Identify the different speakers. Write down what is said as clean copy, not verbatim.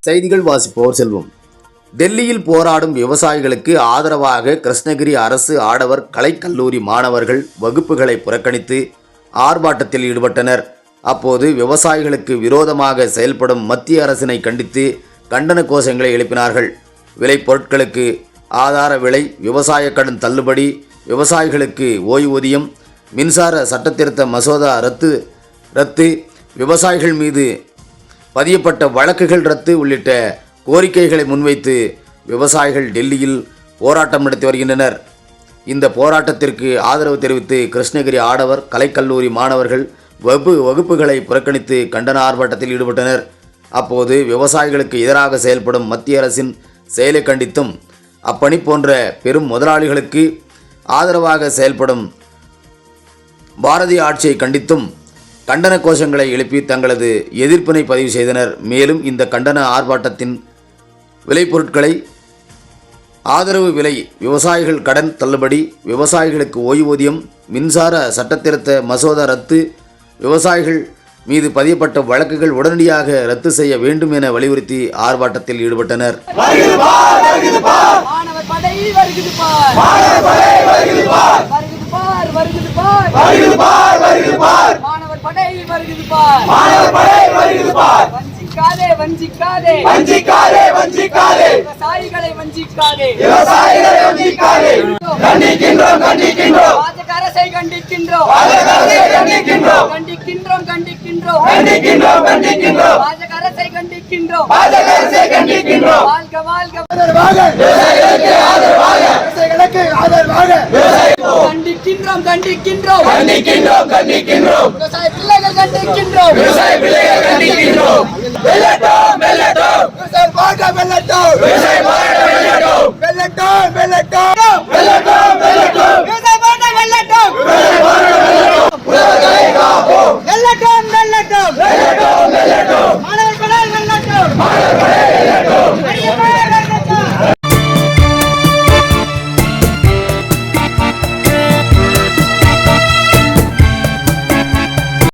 Speaker 1: செய்திகள் வாசிப்போர் செல்வம். டெல்லியில் போராடும் விவசாயிகளுக்கு ஆதரவாக கிருஷ்ணகிரி அரசு ஆடவர் கலைக்கல்லூரி மாணவர்கள் வகுப்புகளை புறக்கணித்து ஆர்ப்பாட்டத்தில் ஈடுபட்டனர். அப்போது விவசாயிகளுக்கு விரோதமாக செயல்படும் மத்திய அரசினை கண்டித்து கண்டன கோஷங்களை எழுப்பினார்கள். விளைபொருட்களுக்கு ஆதார விலை, விவசாய கடன் தள்ளுபடி, விவசாயிகளுக்கு ஓய்வூதியம், மின்சார சட்டத்திருத்த மசோதா ரத்து, விவசாயிகள் மீது பதியப்பட்ட வழக்குகள் ரத்து உள்ளிட்ட கோரிக்கைகளை முன்வைத்து விவசாயிகள் டெல்லியில் போராட்டம் நடத்தி வருகின்றனர். இந்த போராட்டத்திற்கு ஆதரவு தெரிவித்து கிருஷ்ணகிரி ஆடவர் கலைக்கல்லூரி மாணவர்கள் வகுப்புகளை புறக்கணித்து கண்டன ஆர்ப்பாட்டத்தில் ஈடுபட்டனர். அப்போது விவசாயிகளுக்கு எதிராக செயல்படும் மத்திய அரசின் செயலை கண்டித்தும் அப்பணி போன்ற பெரும் முதலாளிகளுக்கு ஆதரவாக செயல்படும் பாரதிய ஆட்சியை கண்டித்தும் கண்டன கோஷங்களை எழுப்பி தங்களது எதிர்ப்பினை பதிவு செய்தனர். மேலும் இந்த கண்டன ஆர்ப்பாட்டத்தின் விளைபொருட்களை ஆதரவு விலை, விவசாயிகள் கடன் தள்ளுபடி, விவசாயிகளுக்கு ஓய்வூதியம், மின்சார சட்டத்திருத்த மசோதா ரத்து, விவசாயிகள் மீது பதியப்பட்ட வழக்குகள் உடனடியாக ரத்து செய்ய வேண்டும் என வலியுறுத்தி ஆர்ப்பாட்டத்தில் ஈடுபட்டனர்.
Speaker 2: விவசாயிகளை வஞ்சிக்காதே. அரசை கண்டிக்கின்றோம். அரசை கண்டிக்கின்றோம். வாழ்க வாழ்க. கண்டிக்கின்றோம். விவசாய பிள்ளைகள் கண்டிக்கின்றோம்.